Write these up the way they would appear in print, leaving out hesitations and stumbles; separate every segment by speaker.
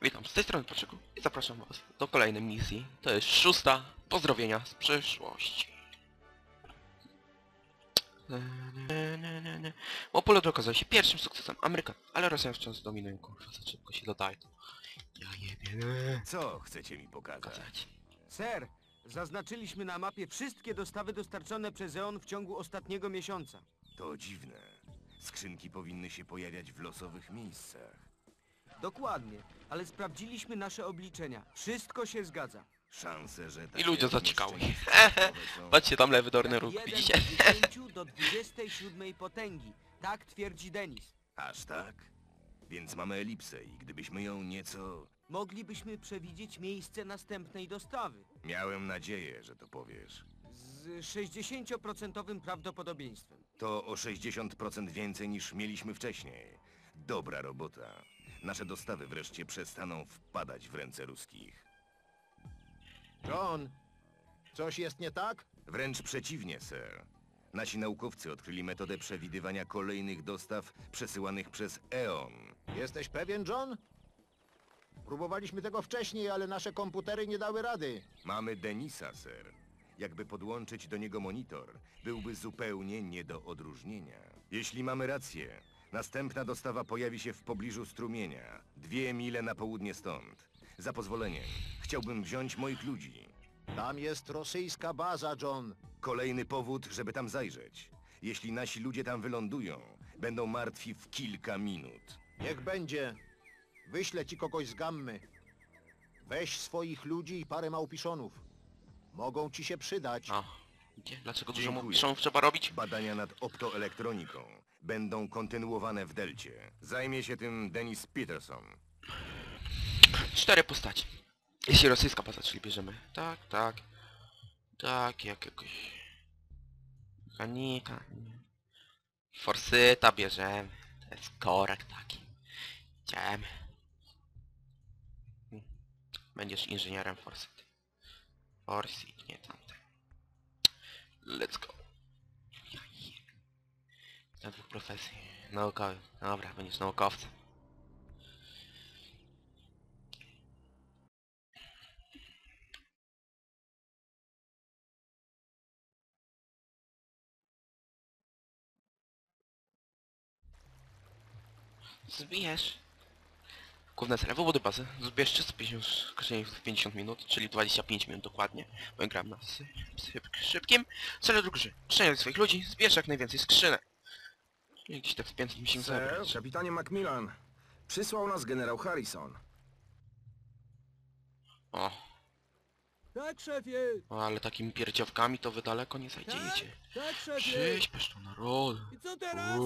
Speaker 1: Witam, z tej strony Patrzyku i zapraszam was do kolejnej misji. To jest 6. Pozdrowienia z przyszłości. Opolot okazał się pierwszym sukcesem Amerykan, ale Rosjanie wciąż dominują, kurwa, za szybko się dodaje to. Ja jebie,
Speaker 2: Co chcecie mi pokazać?
Speaker 1: pokazać.
Speaker 3: Ser, zaznaczyliśmy na mapie wszystkie dostawy dostarczone przez EON w ciągu ostatniego miesiąca.
Speaker 2: To dziwne. Skrzynki powinny się pojawiać w losowych miejscach.
Speaker 3: Dokładnie, ale sprawdziliśmy nasze obliczenia. Wszystko się zgadza.
Speaker 2: Szanse, że
Speaker 1: I
Speaker 2: takie
Speaker 1: ludzie zaciekały.
Speaker 2: umieszczenia są-
Speaker 1: Patrzcie tam lewy dolny
Speaker 3: Jak
Speaker 1: róg,
Speaker 3: 1
Speaker 1: widzicie?
Speaker 3: do 10 do 27 potęgi. Tak twierdzi Denis.
Speaker 2: Aż tak? Więc mamy elipsę i gdybyśmy ją nieco...
Speaker 3: Moglibyśmy przewidzieć miejsce następnej dostawy.
Speaker 2: Miałem nadzieję, że to powiesz.
Speaker 3: Z 60% prawdopodobieństwem.
Speaker 2: To o 60% więcej niż mieliśmy wcześniej. Dobra robota. Nasze dostawy wreszcie przestaną wpadać w ręce ruskich.
Speaker 4: John, coś jest nie tak?
Speaker 2: Wręcz przeciwnie, sir. Nasi naukowcy odkryli metodę przewidywania kolejnych dostaw przesyłanych przez EON.
Speaker 4: Jesteś pewien, John? Próbowaliśmy tego wcześniej, ale nasze komputery nie dały rady.
Speaker 2: Mamy Denisa, sir. Jakby podłączyć do niego monitor, byłby zupełnie nie do odróżnienia. Jeśli mamy rację, następna dostawa pojawi się w pobliżu strumienia, 2 mile na południe stąd. Za pozwoleniem, chciałbym wziąć moich ludzi.
Speaker 4: Tam jest rosyjska baza, John.
Speaker 2: Kolejny powód, żeby tam zajrzeć. Jeśli nasi ludzie tam wylądują, będą martwi w kilka minut.
Speaker 4: Niech będzie. Wyślę ci kogoś z Gammy. Weź swoich ludzi i parę małpiszonów. Mogą ci się przydać.
Speaker 1: A, gdzie? Dlaczego dużo
Speaker 2: Dziękuję.
Speaker 1: muszą trzeba robić?
Speaker 2: Badania nad optoelektroniką będą kontynuowane w Delcie. Zajmie się tym Dennis Peterson.
Speaker 1: 4 postaci. Jeśli rosyjska baza, czyli bierzemy. Tak, tak. Tak, jak jakoś... Mechanika. Forsyta bierzemy. To jest korek taki. Idziemy. Będziesz inżynierem Forsyty. Forsyt, nie tamten. Let's go. Ja je- Na dwóch profesji. Naukowy. Dobra, będziesz naukowcem. Zbierz. Główne cele wybudy bazy. Zbierz 350 skrzyni w 50 minut, czyli 25 minut dokładnie. Bo gram na szybkim. Cele drugi. Przeniaj swoich ludzi, zbierz jak najwięcej skrzynek. Jakiś tak z 500 musimy
Speaker 5: Sir,
Speaker 1: zebrać.
Speaker 5: kapitanie Macmillan. Przysłał nas generał Harrison.
Speaker 1: O,
Speaker 3: Tak, szefie!
Speaker 1: ale takimi pierdziawkami to wy daleko nie zajdziecie.
Speaker 3: Tak,
Speaker 1: Przyśpiesz to narod.
Speaker 3: I co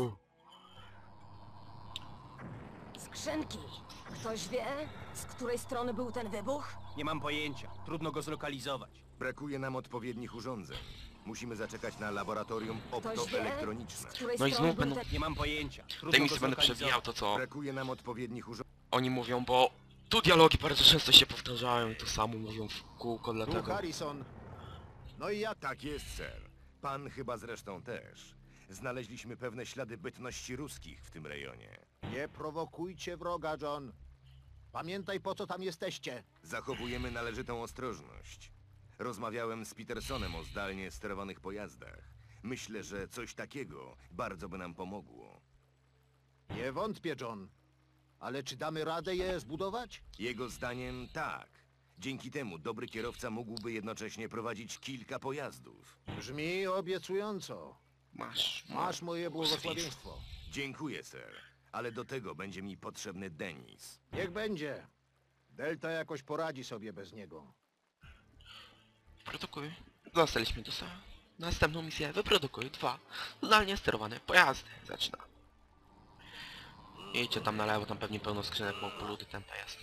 Speaker 6: Skrzynki. Ktoś wie, z której strony był ten wybuch?
Speaker 3: Nie mam pojęcia. Trudno go zlokalizować.
Speaker 2: Brakuje nam odpowiednich urządzeń. Musimy zaczekać na laboratorium
Speaker 6: Ktoś wie,
Speaker 2: optoelektroniczne.
Speaker 6: z której
Speaker 1: No i
Speaker 6: strony
Speaker 1: znów
Speaker 6: był
Speaker 1: będą...
Speaker 6: ten...
Speaker 3: Nie mam pojęcia.
Speaker 1: Tej
Speaker 3: Trudno go
Speaker 1: misji będę przewijał
Speaker 3: zlokalizować.
Speaker 1: to co
Speaker 2: Brakuje nam odpowiednich urządzeń.
Speaker 1: oni mówią, bo tu dialogi bardzo często się powtarzają i to samo mówią w kółko,
Speaker 4: Tu
Speaker 1: dlatego...
Speaker 4: Harrison. No i jak?
Speaker 2: Tak jest, sir. Pan chyba zresztą też. Znaleźliśmy pewne ślady bytności ruskich w tym rejonie.
Speaker 4: Nie prowokujcie wroga, John. Pamiętaj, po co tam jesteście.
Speaker 2: Zachowujemy należytą ostrożność. Rozmawiałem z Petersonem o zdalnie sterowanych pojazdach. Myślę, że coś takiego bardzo by nam pomogło.
Speaker 4: Nie wątpię, John. Ale czy damy radę je zbudować?
Speaker 2: Jego zdaniem tak. Dzięki temu dobry kierowca mógłby jednocześnie prowadzić kilka pojazdów.
Speaker 4: Brzmi obiecująco. Masz moje błogosławieństwo.
Speaker 2: Dziękuję, sir. Ale do tego będzie mi potrzebny Denis.
Speaker 4: Niech będzie. Delta jakoś poradzi sobie bez niego.
Speaker 1: Produkuj. Dostaliśmy do następną misję. Wyprodukuj 2 zdalnie sterowane pojazdy. Zaczyna. Idźcie tam na lewo, tam pewnie pełno skrzynek, bo poluty ten pojazd.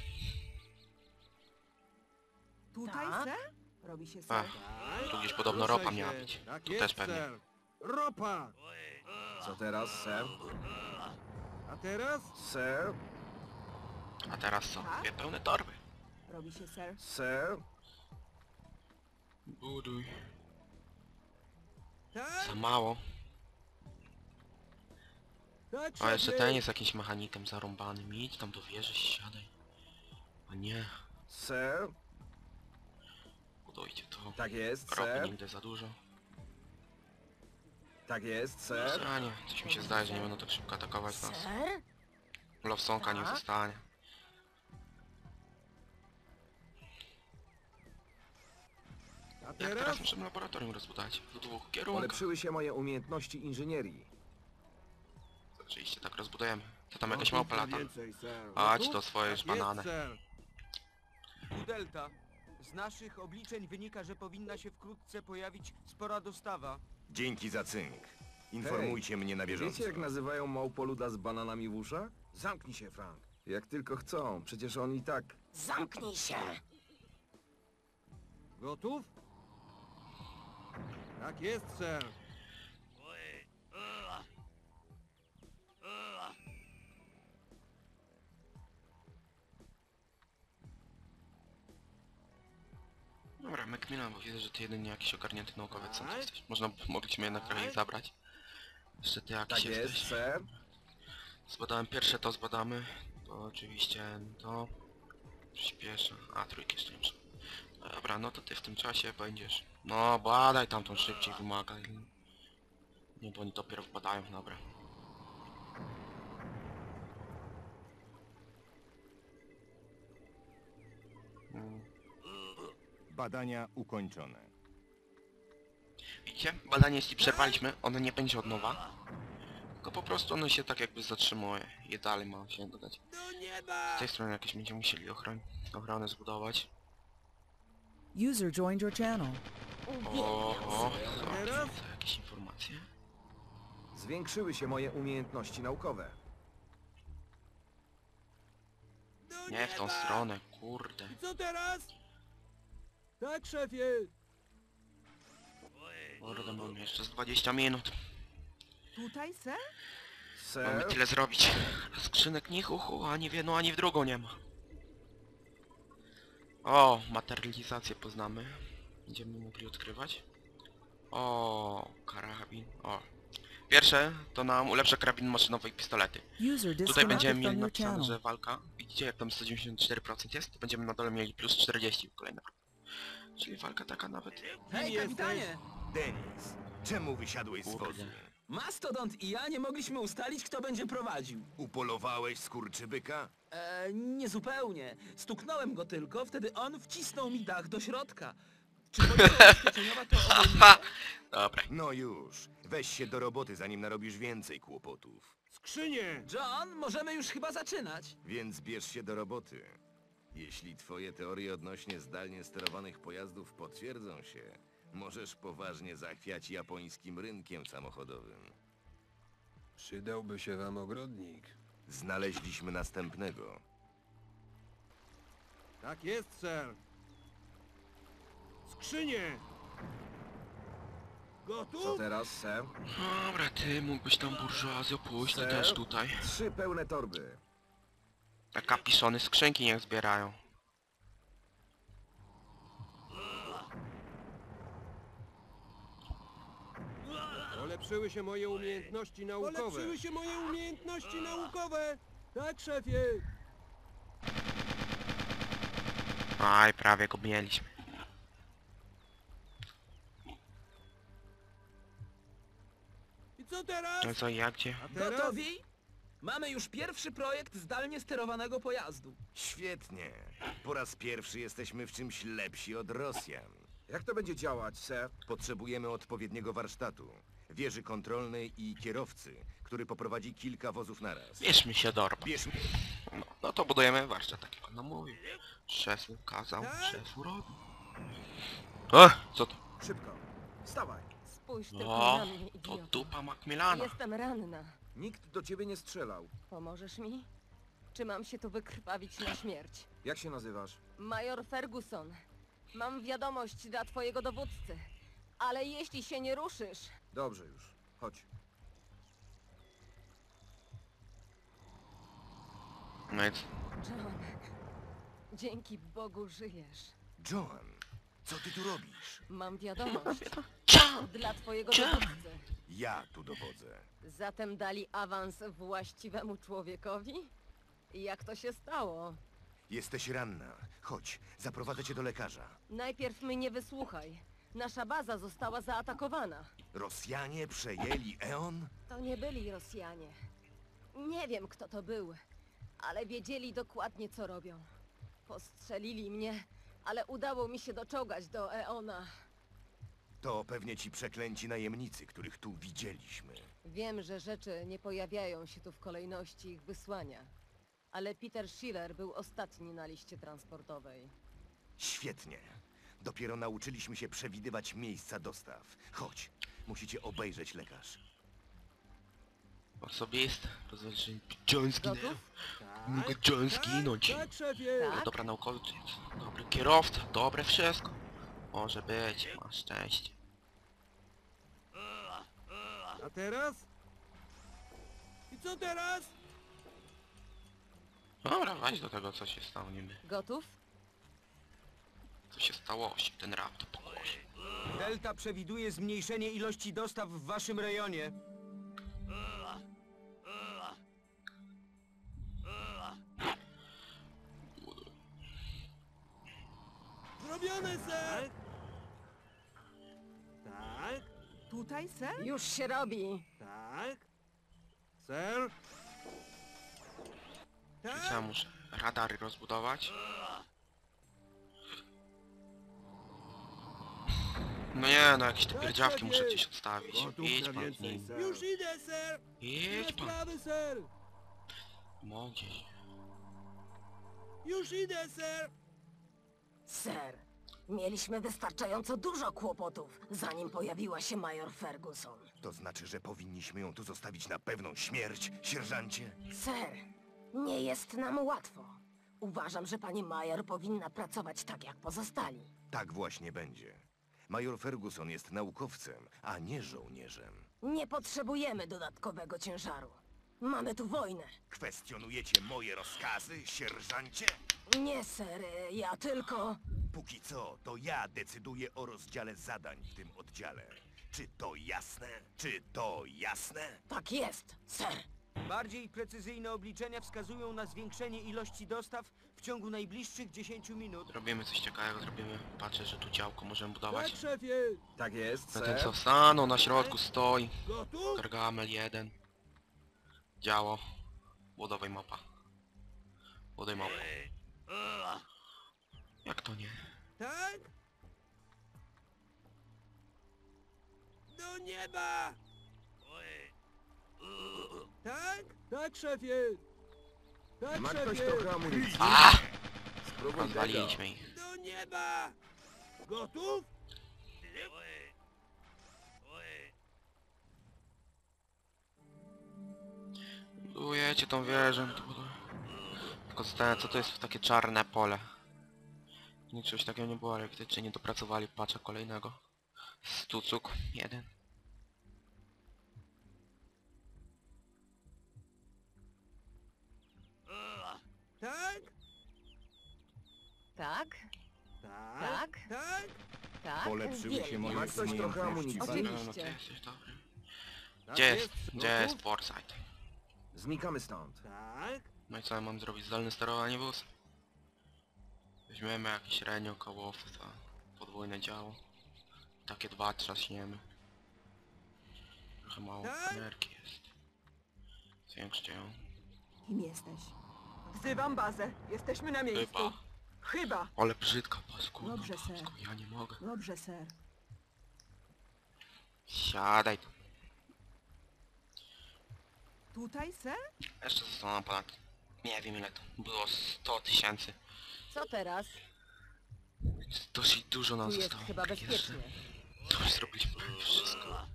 Speaker 7: Tutaj,
Speaker 6: Tak?
Speaker 7: ser? Robi się
Speaker 1: Ach,
Speaker 7: ser.
Speaker 1: tu gdzieś podobno ropa miała być. Tu też pewnie.
Speaker 3: Ropa!
Speaker 5: Co teraz, sir?
Speaker 3: A teraz?
Speaker 5: Sir?
Speaker 1: A teraz co? 2 pełne torby.
Speaker 7: Robi się ser.
Speaker 5: Sir?
Speaker 1: Buduj.
Speaker 3: Tak?
Speaker 1: Za mało.
Speaker 3: Tak,
Speaker 1: A jeszcze ten jest jakimś mechanikiem zarąbanym. Idź tam do wieży, siadaj. O nie,
Speaker 5: Sir?
Speaker 1: budujcie to.
Speaker 5: Tak jest,
Speaker 1: Ropy
Speaker 5: sir?
Speaker 1: nigdy za dużo.
Speaker 5: Tak jest, sir?
Speaker 1: A nie, coś mi się zdaje, że nie będą tak szybko atakować nas.
Speaker 6: Ser?
Speaker 1: Lowsonka niech
Speaker 6: Tak?
Speaker 1: zostanie.
Speaker 3: A
Speaker 1: Jak
Speaker 3: teraz?
Speaker 1: teraz możemy laboratorium rozbudować? W dwóch kierunkach.
Speaker 5: Polepszyły się moje umiejętności inżynierii.
Speaker 1: Oczywiście tak rozbudujemy. To tam
Speaker 3: No,
Speaker 1: jakaś małpa lata.
Speaker 3: więcej, ser.
Speaker 1: Chodź
Speaker 3: Gotów?
Speaker 1: do swoje już
Speaker 3: Tak jest,
Speaker 1: banany.
Speaker 3: ser. Tu Delta. Z naszych obliczeń wynika, że powinna się wkrótce pojawić spora dostawa.
Speaker 2: Dzięki za cynk. Informujcie mnie na bieżąco.
Speaker 5: Wiecie jak nazywają małpoluda z bananami w uszach? Zamknij się, Frank. Jak tylko chcą, przecież on i tak...
Speaker 6: Zamknij się!
Speaker 3: Gotów? Tak jest, ser.
Speaker 1: Dobra, Macmillan, bo widzę, że ty jedynie jakiś ogarnięty naukowiec sam jesteś. Mogliśmy jednak trochę ich zabrać. Jeszcze ty jakiś
Speaker 5: Tak jest,
Speaker 1: jesteś.
Speaker 5: sir?
Speaker 1: Zbadałem pierwsze, to zbadamy. To oczywiście to... Przyspieszę. A, trójki jeszcze nie muszę. Dobra, no to ty w tym czasie będziesz... No, badaj tam tą szybciej wymaga. Nie, bo oni dopiero wpadają, dobra.
Speaker 2: Badania ukończone.
Speaker 1: Widzicie? Badanie jeśli przerwaliśmy, ono nie będzie od nowa. Tylko po prostu ono się tak jakby zatrzymuje i dalej ma się dodać. Z tej strony jakieś będziemy musieli ochronę zbudować.
Speaker 8: User joined your channel.
Speaker 1: Oho, są jakieś informacje?
Speaker 5: Zwiększyły się moje umiejętności naukowe.
Speaker 1: Nie w tą stronę, kurde.
Speaker 3: Co teraz? Tak, szefie.
Speaker 1: Kurde, mamy jeszcze z 20 minut.
Speaker 7: Tutaj, ser?
Speaker 1: Mamy
Speaker 5: Sir?
Speaker 1: tyle zrobić. A skrzynek ni chuchu, ani w jedną, ani w drugą nie ma. O, materializację poznamy. Będziemy mogli odkrywać. O, karabin. O. Pierwsze to nam ulepsza karabin maszynowy i pistolety.
Speaker 8: User
Speaker 1: Tutaj będziemy
Speaker 8: disconnected
Speaker 1: mieli
Speaker 8: from your
Speaker 1: napisane,
Speaker 8: channel.
Speaker 1: że walka. Widzicie jak tam 194% jest? To będziemy na dole mieli plus 40 kolejne. Czyli walka taka nawet...
Speaker 3: Hej, kapitanie!
Speaker 2: Denis, czemu wysiadłeś z wozu?
Speaker 1: Kurde.
Speaker 9: Mastodont i ja nie mogliśmy ustalić, kto będzie prowadził.
Speaker 2: Upolowałeś skurczybyka?
Speaker 9: Niezupełnie. Stuknąłem go tylko, wtedy on wcisnął mi dach do środka. Czy policja ubezpieczeniowa to obejmuje?
Speaker 1: Dobra.
Speaker 2: No już, weź się do roboty, zanim narobisz więcej kłopotów.
Speaker 3: Skrzynie!
Speaker 9: John, możemy już chyba zaczynać.
Speaker 2: Więc bierz się do roboty. Jeśli twoje teorie odnośnie zdalnie sterowanych pojazdów potwierdzą się, możesz poważnie zachwiać japońskim rynkiem samochodowym.
Speaker 10: Przydałby się wam ogrodnik.
Speaker 2: Znaleźliśmy następnego.
Speaker 3: Tak jest, ser. Skrzynie!
Speaker 5: Co
Speaker 3: Gotów?
Speaker 5: teraz, sir?
Speaker 1: Dobra, ty mógłbyś tam burżuazję pójść, ty
Speaker 5: Sir?
Speaker 1: też tutaj.
Speaker 5: 3 pełne torby.
Speaker 1: Te kapiszony skrzynki niech zbierają.
Speaker 3: Polepszyły się moje umiejętności naukowe. Polepszyły się moje umiejętności naukowe! Tak, szefie!
Speaker 1: Aj, prawie go mieliśmy.
Speaker 3: I co teraz?
Speaker 1: No co, jak gdzie?
Speaker 3: A teraz?
Speaker 9: Gotowi? Mamy już pierwszy projekt zdalnie sterowanego pojazdu.
Speaker 2: Świetnie. Po raz pierwszy jesteśmy w czymś lepsi od Rosjan.
Speaker 5: Jak to będzie działać, sir?
Speaker 2: Potrzebujemy odpowiedniego warsztatu, wieży kontrolnej i kierowcy, który poprowadzi kilka wozów naraz.
Speaker 1: Bierzmy się do roboty.
Speaker 2: Bierz
Speaker 1: No to budujemy warsztat, tak jak on nam mówił. Szef kazał, szef robi. Co to?
Speaker 5: Szybko. Wstawaj.
Speaker 6: Spójrz tylko
Speaker 1: O,
Speaker 6: na mnie,
Speaker 1: to
Speaker 6: idioto.
Speaker 1: dupa Macmillana.
Speaker 6: Jestem ranna.
Speaker 5: Nikt do ciebie nie strzelał.
Speaker 6: Pomożesz mi? Czy mam się tu wykrwawić na śmierć?
Speaker 5: Jak się nazywasz?
Speaker 6: Major Ferguson, mam wiadomość dla twojego dowódcy. Ale jeśli się nie ruszysz...
Speaker 5: Dobrze już. Chodź.
Speaker 1: No i
Speaker 6: John, dzięki Bogu żyjesz.
Speaker 2: Joan, co ty tu robisz?
Speaker 6: Mam wiadomość dla twojego
Speaker 1: John.
Speaker 6: dowódcy.
Speaker 2: Ja tu dowodzę.
Speaker 6: Zatem dali awans właściwemu człowiekowi? Jak to się stało?
Speaker 2: Jesteś ranna. Chodź, zaprowadzę cię do lekarza.
Speaker 6: Najpierw mnie wysłuchaj. Nasza baza została zaatakowana.
Speaker 2: Rosjanie przejęli Eon?
Speaker 6: To nie byli Rosjanie. Nie wiem, kto to był, ale wiedzieli dokładnie, co robią. Postrzelili mnie, ale udało mi się doczołgać do Eona.
Speaker 2: To pewnie ci przeklęci najemnicy, których tu widzieliśmy.
Speaker 6: Wiem, że rzeczy nie pojawiają się tu w kolejności ich wysłania, ale Peter Schiller był ostatni na liście transportowej.
Speaker 2: Świetnie. Dopiero nauczyliśmy się przewidywać miejsca dostaw. Chodź, musicie obejrzeć lekarz.
Speaker 1: On sobie jest. Rozważmy. John zginął.
Speaker 6: Gotów?
Speaker 1: Mógł John zginąć.
Speaker 3: Tak, szefie!
Speaker 6: Tak?
Speaker 1: Dobra naukowiec, dobry kierowca, dobre wszystko. Może być, masz szczęście.
Speaker 3: A teraz? I co teraz?
Speaker 1: Dobra, weź do tego, co się stało niby.
Speaker 6: Gotów?
Speaker 1: Co się stało, się ten raptor położy.
Speaker 3: Delta przewiduje zmniejszenie ilości dostaw w waszym rejonie. Zrobione, ser! Tak,
Speaker 7: Tutaj, ser?
Speaker 6: Już się robi.
Speaker 3: tak. Ser?
Speaker 1: Czyli co, ja muszę radary rozbudować? No nie, no jakieś te pierdziawki muszę gdzieś odstawić. Idź pan z nim.
Speaker 3: Już idę, ser!
Speaker 1: Idź pan.
Speaker 3: Sprawy, ser!
Speaker 1: Mogę.
Speaker 3: Już idę, ser!
Speaker 6: Ser, mieliśmy wystarczająco dużo kłopotów, zanim pojawiła się major Ferguson.
Speaker 2: To znaczy, że powinniśmy ją tu zostawić na pewną śmierć, sierżancie?
Speaker 6: Ser, nie jest nam łatwo. Uważam, że pani major powinna pracować tak jak pozostali.
Speaker 2: Tak właśnie będzie. Major Ferguson jest naukowcem, a nie żołnierzem.
Speaker 6: Nie potrzebujemy dodatkowego ciężaru. Mamy tu wojnę.
Speaker 2: Kwestionujecie moje rozkazy, sierżancie?
Speaker 6: Nie, ser, ja tylko...
Speaker 2: Póki co, to ja decyduję o rozdziale zadań w tym oddziale. Czy to jasne? Czy to jasne?
Speaker 6: Tak jest, ser.
Speaker 3: Bardziej precyzyjne obliczenia wskazują na zwiększenie ilości dostaw w ciągu najbliższych 10 minut.
Speaker 1: Robimy coś ciekawego, zrobimy. Patrzę, że tu działko możemy budować.
Speaker 3: szefie!
Speaker 5: Tak jest,
Speaker 1: Na ten
Speaker 5: ser.
Speaker 1: co stanął na środku stoi.
Speaker 3: Gotów?
Speaker 1: Gargamel 1. Działo. Budowaj mapa. Budowaj mapę. Jak to nie?
Speaker 3: Tak? Do nieba! Tak? Tak, szefie! Tak,
Speaker 5: Ma ktoś
Speaker 3: szefie!
Speaker 5: trochę amunicji?
Speaker 1: A!
Speaker 5: Spróbuj tego.
Speaker 1: Rozwaliliśmy ich.
Speaker 3: Do nieba! Gotów?
Speaker 1: Budujecie tą wieżę. Tylko zastanawiam, co to jest takie czarne pole. Nic czegoś takiego nie było, ale widocznie nie dopracowali patcha kolejnego. Stucuk 1.
Speaker 3: Tak?
Speaker 6: Tak?
Speaker 3: Tak?
Speaker 6: Tak?
Speaker 3: Tak?
Speaker 6: Tak?
Speaker 2: Polepszyły się
Speaker 6: Wiem.
Speaker 2: moje
Speaker 5: Ma ktoś trochę amunicji?
Speaker 6: Oczywiście.
Speaker 1: No ty jesteś dobry.
Speaker 3: Tak
Speaker 1: Gdzie jest?
Speaker 3: jest.
Speaker 1: Gdzie jest Foresight?
Speaker 5: Znikamy stąd.
Speaker 3: Tak?
Speaker 1: No i co ja mam zrobić? Zdalne sterowanie wóz? Weźmiemy jakieś renio koło to podwójne działo. Takie 2 trzaśniemy. Trochę mało
Speaker 3: Tak?
Speaker 1: energii jest. Zwiększcie ją.
Speaker 7: Kim jesteś? Wzywam bazę. Jesteśmy na miejscu.
Speaker 1: Chyba.
Speaker 7: Chyba.
Speaker 1: Ale brzydka paskudna
Speaker 7: Dobrze, ser.
Speaker 1: pasko, ja nie mogę.
Speaker 7: Dobrze, ser.
Speaker 1: Siadaj tu.
Speaker 7: Tutaj, ser?
Speaker 1: Jeszcze zostało ponad... Nie wiem ile to było, 100 000.
Speaker 6: Co teraz?
Speaker 1: Dosyć dużo nam
Speaker 6: Tu jest
Speaker 1: zostało.
Speaker 6: chyba
Speaker 1: Jeszcze.
Speaker 6: bezpiecznie.
Speaker 1: To już zrobiliśmy prawie wszystko.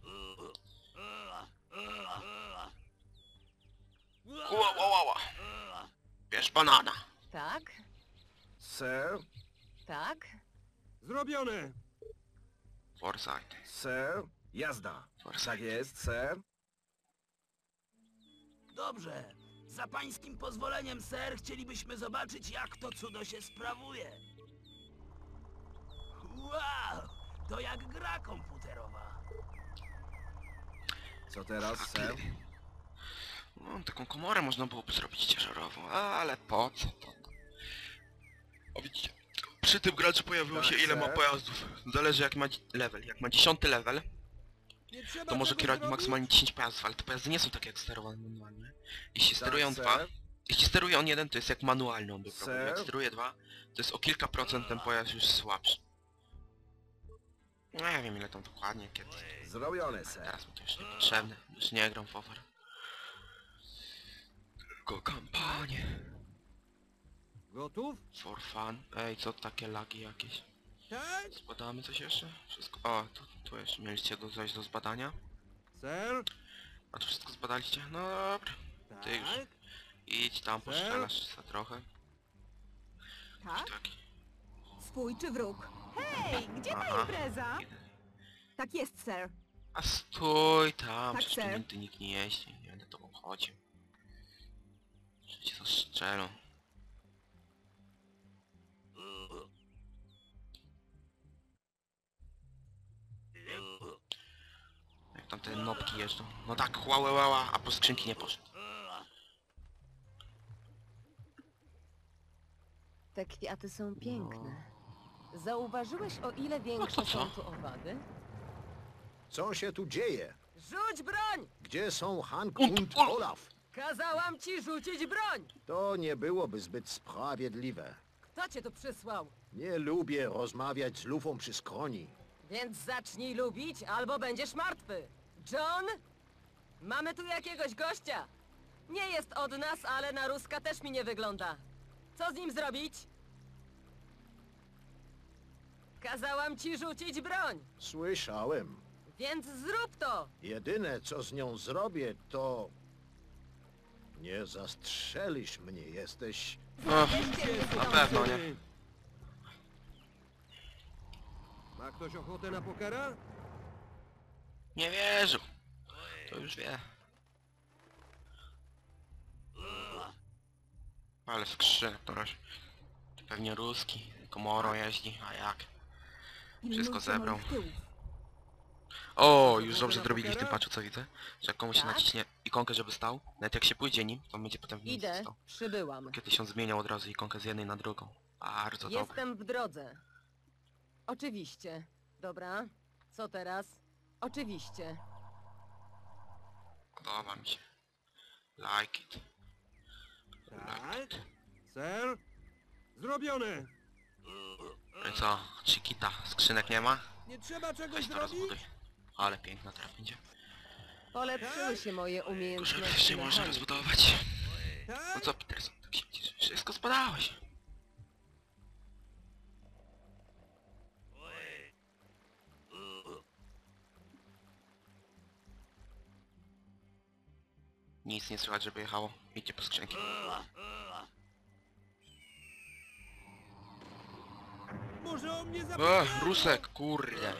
Speaker 1: Ła. Bierz banana.
Speaker 6: Tak?
Speaker 5: Ser?
Speaker 6: Tak?
Speaker 3: Zrobione!
Speaker 1: Foresight.
Speaker 5: Ser? Jazda.
Speaker 1: Foresight.
Speaker 5: Tak jest, ser.
Speaker 9: Dobrze. Za pańskim pozwoleniem, ser, chcielibyśmy zobaczyć, jak to cudo się sprawuje. Wow! To jak gra komputerowa.
Speaker 5: Co teraz, ser?
Speaker 1: No, taką komorę można byłoby zrobić ciężarową, ale po co to? przy tym graczu pojawiło się
Speaker 5: Tak,
Speaker 1: ile ma
Speaker 5: sir.
Speaker 1: pojazdów. Zależy jak ma level. Jak ma 10 level,
Speaker 3: Nie trzeba
Speaker 1: to może
Speaker 3: tego
Speaker 1: kierować
Speaker 3: zrobić?
Speaker 1: maksymalnie 10 pojazdów, ale te pojazdy nie są takie jak sterowane manualnie. Jeśli
Speaker 5: Tak,
Speaker 1: sterują
Speaker 5: sir.
Speaker 1: 2, jeśli steruje on jeden, to jest jak manualny on by
Speaker 5: Sir.
Speaker 1: robił. Jak steruje 2, to jest o kilka procent ten pojazd już słabszy. Nie wiem ile tam dokładnie, kiedy.
Speaker 5: Zrobione, ser.
Speaker 1: Teraz mi to już niepotrzebne, już nie gram w Over. Tylko kampanię.
Speaker 3: Gotów?
Speaker 1: For fun. Ej, co takie lagi jakieś?
Speaker 3: Tak?
Speaker 1: Zbadamy coś jeszcze? Wszystko... O, tu jeszcze mieliście coś do zbadania.
Speaker 3: Ser?
Speaker 1: A to wszystko zbadaliście? No dobra. Ty już.
Speaker 3: Tak?
Speaker 1: Idź tam, poszczelasz za trochę.
Speaker 7: Tak?
Speaker 1: Taki.
Speaker 7: Swój czy wróg? Hej, gdzie ta
Speaker 1: Aha.
Speaker 7: impreza? Tak jest, sir.
Speaker 1: A stój tam,
Speaker 7: Tak,
Speaker 1: przecież tu
Speaker 7: sir.
Speaker 1: nigdy nikt nie jeździ. Nie będę tobą chodził. Przecież to strzelą. Jak tam te nopki jeżdżą. No tak, łała, a po skrzynki nie poszedł.
Speaker 6: Te kwiaty są piękne. Zauważyłeś, o ile większe
Speaker 1: No to co?
Speaker 6: są tu owady?
Speaker 4: Co się tu dzieje?
Speaker 6: Rzuć broń!
Speaker 4: Gdzie są Hank
Speaker 1: Und
Speaker 4: und
Speaker 1: Olaf?
Speaker 4: Olaf?
Speaker 6: Kazałam ci rzucić broń!
Speaker 4: To nie byłoby zbyt sprawiedliwe.
Speaker 6: Kto cię tu przysłał?
Speaker 4: Nie lubię rozmawiać z lufą przy skroni.
Speaker 6: Więc zacznij lubić, albo będziesz martwy. John? Mamy tu jakiegoś gościa. Nie jest od nas, ale na Ruska też mi nie wygląda. Co z nim zrobić? Kazałam ci rzucić broń,
Speaker 4: Słyszałem.
Speaker 6: więc zrób to!
Speaker 4: Jedyne, co z nią zrobię, to... Nie zastrzelisz mnie, jesteś...
Speaker 1: Och, na pewno nie.
Speaker 3: Ma ktoś ochotę na pokera?
Speaker 1: Nie wierzył. To już wie. Ale skrzynek to razie. Pewnie ruski. Komoro jeździ, a jak? Wszystko
Speaker 7: Pilnujcie
Speaker 1: zebrał.
Speaker 7: moich tyłów.
Speaker 1: O, już dobrze zrobili w tym patchu, co widzę. Że jak komuś się
Speaker 6: Tak?
Speaker 1: naciśnie ikonkę, żeby stał, nawet jak się pójdzie nim, to on będzie potem w miejscu
Speaker 6: Idę,
Speaker 1: stał.
Speaker 6: przybyłam.
Speaker 1: Kiedyś on zmieniał od razu ikonkę z jednej na drugą. Bardzo dobre.
Speaker 6: Jestem w drodze. Oczywiście. Dobra. Co teraz? Oczywiście.
Speaker 1: Podoba mi się. Like it.
Speaker 3: Tak? Ser? Zrobione!
Speaker 1: No i co? Chiquita, skrzynek nie ma?
Speaker 3: Nie trzeba czegoś
Speaker 1: Weź to
Speaker 3: zrobić?
Speaker 1: rozbuduj. Ale piękna teraz będzie.
Speaker 6: Polepszyły się moje
Speaker 1: Tylko żeby
Speaker 6: umiejętności
Speaker 1: jeszcze można
Speaker 6: mechaniki.
Speaker 1: rozbudować. No
Speaker 3: Tak?
Speaker 1: co Peterson, tak się widzisz? Wszystko spadałeś. Nic nie słychać, żeby jechało. Idźcie po skrzynki.
Speaker 3: Może o mnie zapomniano?
Speaker 1: Rusek, kurde.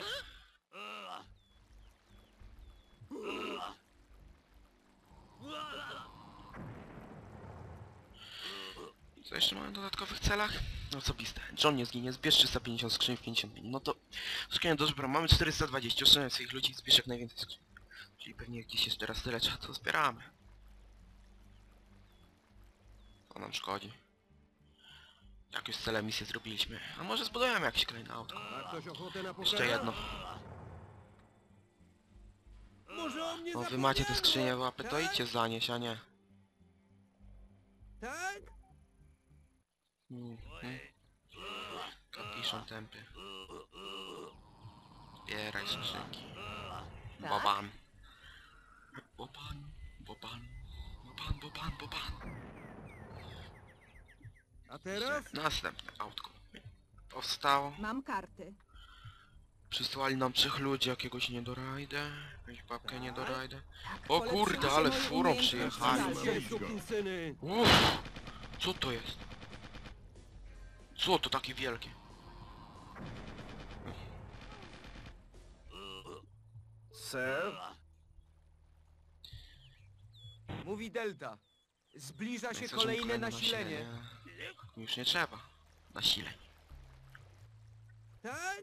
Speaker 1: Co jeszcze mamy w dodatkowych celach? No osobiste. John nie zginie, zbierz 350 skrzyń w 50 minut. No to skrzynia do zbra. Mamy 420, oszczędzamy swoich ludzi, zbierz jak najwięcej skrzyń. Czyli pewnie gdzieś jeszcze raz tyle trzeba, to zbieramy. To nam szkodzi. Jak już cele misje zrobiliśmy. A może zbudujemy jakieś kolejne autko.
Speaker 3: Ma ktoś ochotę na pokera?
Speaker 1: Jeszcze jedno.
Speaker 3: Może o mnie
Speaker 1: No wy
Speaker 3: zapomniano?
Speaker 1: macie te skrzynie w łapy, to
Speaker 3: Tak?
Speaker 1: idźcie zanieść, a nie.
Speaker 3: Tak?
Speaker 1: Kapiszon tępy. Zbieraj skrzynki.
Speaker 6: Tak?
Speaker 1: Boban. Boban, boban. Boban, boban, boban.
Speaker 3: A teraz?
Speaker 1: Następne autko. Powstało.
Speaker 7: Mam karty.
Speaker 1: Przysłali nam 3 ludzi, jakiegoś niedorajdę. Jakąś babkę niedorajdę.
Speaker 7: Tak,
Speaker 1: O
Speaker 7: polepszyły
Speaker 1: kurde,
Speaker 7: się
Speaker 1: ale
Speaker 7: moje
Speaker 1: furą
Speaker 7: umiejętności
Speaker 1: przyjechali.
Speaker 7: walki.
Speaker 3: Dzisiaj, sukinsyny!
Speaker 1: Uff, co to jest? Co to takie wielkie?
Speaker 5: Ser?
Speaker 3: Mówi Delta. Zbliża się
Speaker 1: Chcę, żeby
Speaker 3: kolejne nasilenie.
Speaker 1: Już nie trzeba. Nasileń.
Speaker 3: Tak?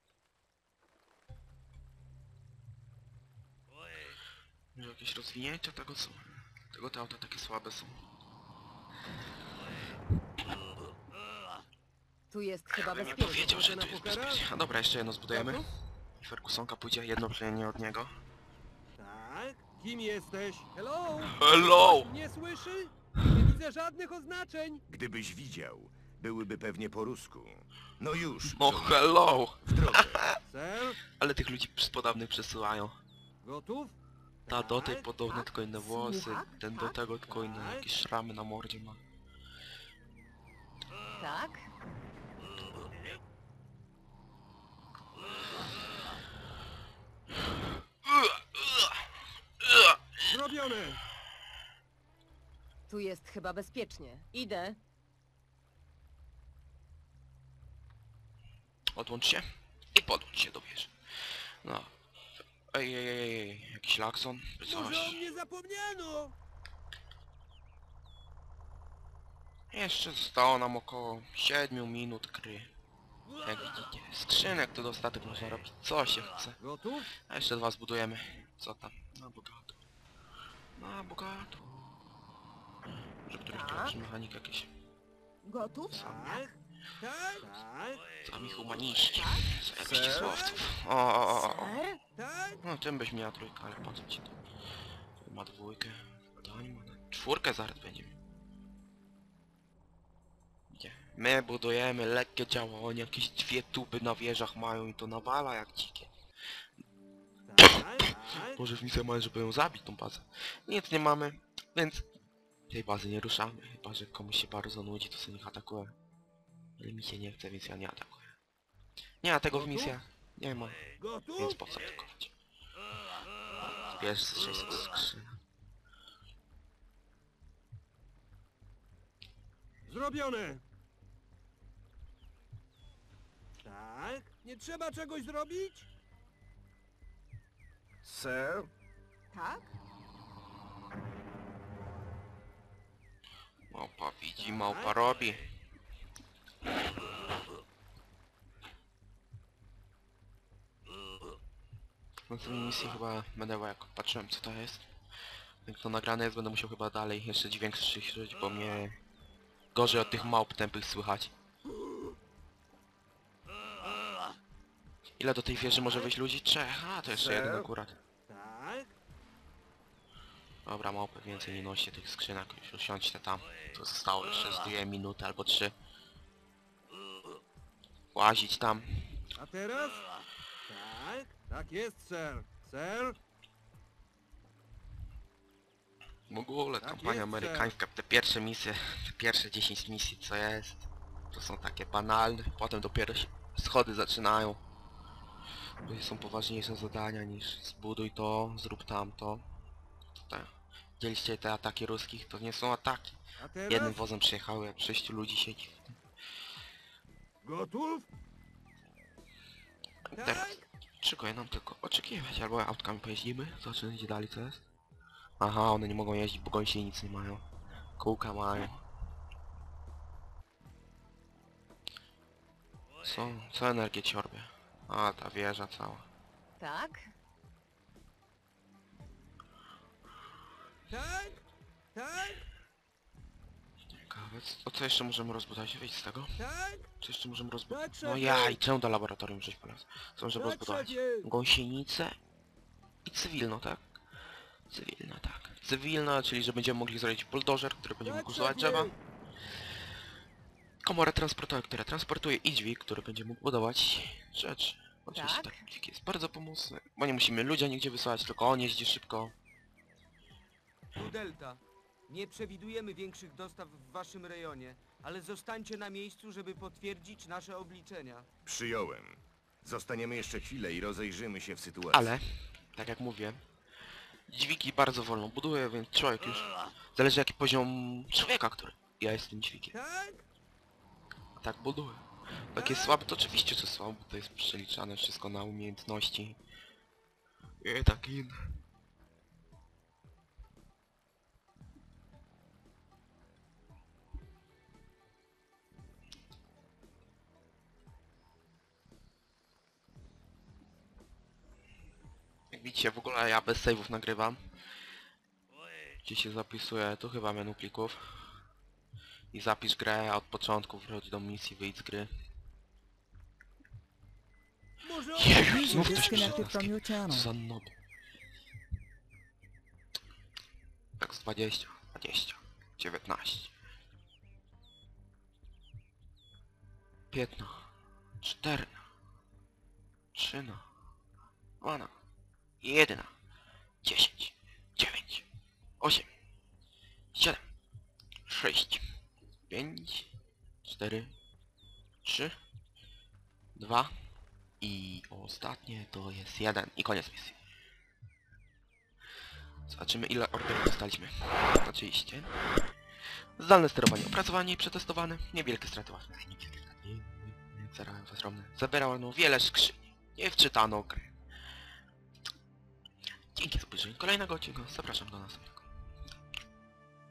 Speaker 1: Może jakieś rozwinięcia tego są? Tego te auta takie słabe są.
Speaker 6: Tu jest chyba
Speaker 1: Bym
Speaker 6: bezpiecznie.
Speaker 1: powiedział, że tu jest bezpiecznie. A dobra, jeszcze jedno zbudujemy. I Fergusonka pójdzie jedno plemię od niego.
Speaker 3: Tak? Kim jesteś? Hello?
Speaker 1: Hello!
Speaker 3: Nie słyszy? Nie widzę żadnych oznaczeń.
Speaker 2: Gdybyś widział, byłyby pewnie po rusku. No już,
Speaker 1: No
Speaker 2: żołnierzu,
Speaker 1: hello!
Speaker 2: w drogę.
Speaker 3: Ser?
Speaker 1: Ale tych ludzi podobnych przesyłają.
Speaker 3: Gotów?
Speaker 1: Ta do tej
Speaker 3: Tak?
Speaker 1: podobne tylko inne włosy,
Speaker 6: Słucham?
Speaker 1: ten do tego tylko inne jakieś szramy na mordzie ma.
Speaker 6: Tak?
Speaker 3: Zrobione!
Speaker 6: Tu jest chyba bezpiecznie. Idę.
Speaker 1: Odłącz się i podłącz się do wieży. No. Ej, jakiś lakson, czy coś.
Speaker 3: mnie zapomniano!
Speaker 1: Jeszcze zostało nam około 7 minut gry. Jak widzicie, skrzynek to dostatek można robić co się chce.
Speaker 3: Gotów?
Speaker 1: A jeszcze dwa zbudujemy. Co tam? Na bogato. Na bogato. Może któryś tu lepszy mechanik jakiś.
Speaker 6: Gotów?
Speaker 3: Tak? Tak? Tak?
Speaker 1: Sami humaniści. Co jakiś
Speaker 5: Ser?
Speaker 1: słowców. O.
Speaker 6: Ser?
Speaker 3: Tak?
Speaker 1: No tym byś miała trójkę, ale po co ci to? Tu ma dwójkę. Dani ma czwórkę zaraz będziemy. Gdzie? My budujemy lekkie działanie, jakieś dwie tuby na wieżach mają i to nawala jak dzikie.
Speaker 3: Tak?
Speaker 1: Może w misję mamy, żeby ją zabić tą bazę. Nic nie mamy, więc tej bazy nie ruszamy. Chyba, że komuś się bardzo nudzi, to sobie niech atakuje. Ale mi się nie chce, więc ja nie atakuję. Nie ma tego w misjach. Nie ma,
Speaker 3: Gotów?
Speaker 1: więc po co atakować? Wiesz, 600 skrzyń.
Speaker 3: Zrobione! Tak? Nie trzeba czegoś zrobić?
Speaker 5: Ser?
Speaker 7: Tak?
Speaker 1: Małpa widzi, małpa robi. Na tej misji chyba będę, jak patrzyłem co to jest. Jak to nagrane jest, będę musiał chyba dalej jeszcze dźwięk słyszeć, bo mnie gorzej od tych małp tępych słychać. Ile do tej wieży może wejść ludzi? Trzech. A, to jeszcze jeden akurat.
Speaker 3: Tak?
Speaker 1: Dobra, małpy więcej nie noście tych skrzynek, już usiądźcie tam. To zostało jeszcze z 2 minuty albo 3. Łazić tam.
Speaker 3: A teraz? Tak? Tak jest, ser. Ser?
Speaker 1: W ogóle
Speaker 3: Tak
Speaker 1: kampania
Speaker 3: jest,
Speaker 1: amerykańska, te pierwsze misje, te pierwsze 10 misji co jest, to są takie banalne, potem dopiero się schody zaczynają. Tutaj są poważniejsze zadania niż zbuduj to, zrób tamto. Tutaj. Widzieliście te ataki ruskich? To nie są ataki.
Speaker 3: A teraz?
Speaker 1: Jednym wozem przyjechały, jak 6 ludzi siedzi w tym.
Speaker 3: Gotów?
Speaker 1: Teraz czekaj nam tylko oczekiwać, albo autkami pojeździmy, zobaczymy gdzie dalej co jest. Aha, one nie mogą jeździć, bo gąsi nic nie mają. Kółka mają. Co energię ciorbie? A, ta wieża cała.
Speaker 6: Tak?
Speaker 3: Tak? Tak?
Speaker 1: Ciekawe, co jeszcze możemy rozbudować? Wyjdź z tego.
Speaker 3: Tak?
Speaker 1: Co jeszcze możemy rozbudować?
Speaker 3: Tak, szefie.
Speaker 1: No ja i czemu do laboratorium żeś polazł? Co możemy
Speaker 3: Tak,
Speaker 1: rozbudować?
Speaker 3: szefie.
Speaker 1: Gąsienicę i cywilną, tak? Cywilna, tak. Cywilna, czyli że będziemy mogli zrobić buldożer, który będzie
Speaker 3: Tak,
Speaker 1: mógł usuwać
Speaker 3: szefie.
Speaker 1: drzewa. Komorę transportową, która transportuje i dźwig, który będzie mógł budować rzeczy. Oczywiście
Speaker 6: Tak.
Speaker 1: tak, dźwig jest bardzo pomocny, bo nie musimy ludzi nigdzie wysyłać, tylko on jeździ szybko.
Speaker 3: Tu Delta. Nie przewidujemy większych dostaw w waszym rejonie, ale zostańcie na miejscu, żeby potwierdzić nasze obliczenia.
Speaker 2: Przyjąłem. Zostaniemy jeszcze chwilę i rozejrzymy się w sytuacji.
Speaker 1: Ale, tak jak mówię, dźwigi bardzo wolno buduje, więc człowiek już... Zależy jaki poziom człowieka, który... Ja jestem dźwigiem.
Speaker 3: Tak?
Speaker 1: Tak buduje. Jak jest słaby, to oczywiście, że słaby, bo to jest przeliczane wszystko na umiejętności. I tak inne. Jak widzicie, w ogóle ja bez save'ów nagrywam. Gdzie się zapisuje, tu chyba menu plików. I zapisz grę, a od początku wróć do misji, wyjdź z gry. Jeju,
Speaker 8: User
Speaker 1: znów ktoś
Speaker 8: disconnected from
Speaker 1: przylaski.
Speaker 8: your channel.
Speaker 1: Co za nob. Tak z 20, 19. 15, 14, 13, 12, 1, 10, 9, 8, 7, 6, 5, 4, 3, 2 i ostatnie to jest 1 i koniec misji. Zobaczymy ile orderów dostaliśmy. Oczywiście. Zdalne sterowanie opracowanie i przetestowane. Niewielkie straty ważne. Zabierano wiele skrzyni. Nie wczytano gry. Dzięki za obejrzenie kolejnego odcinka. Zapraszam do następnego.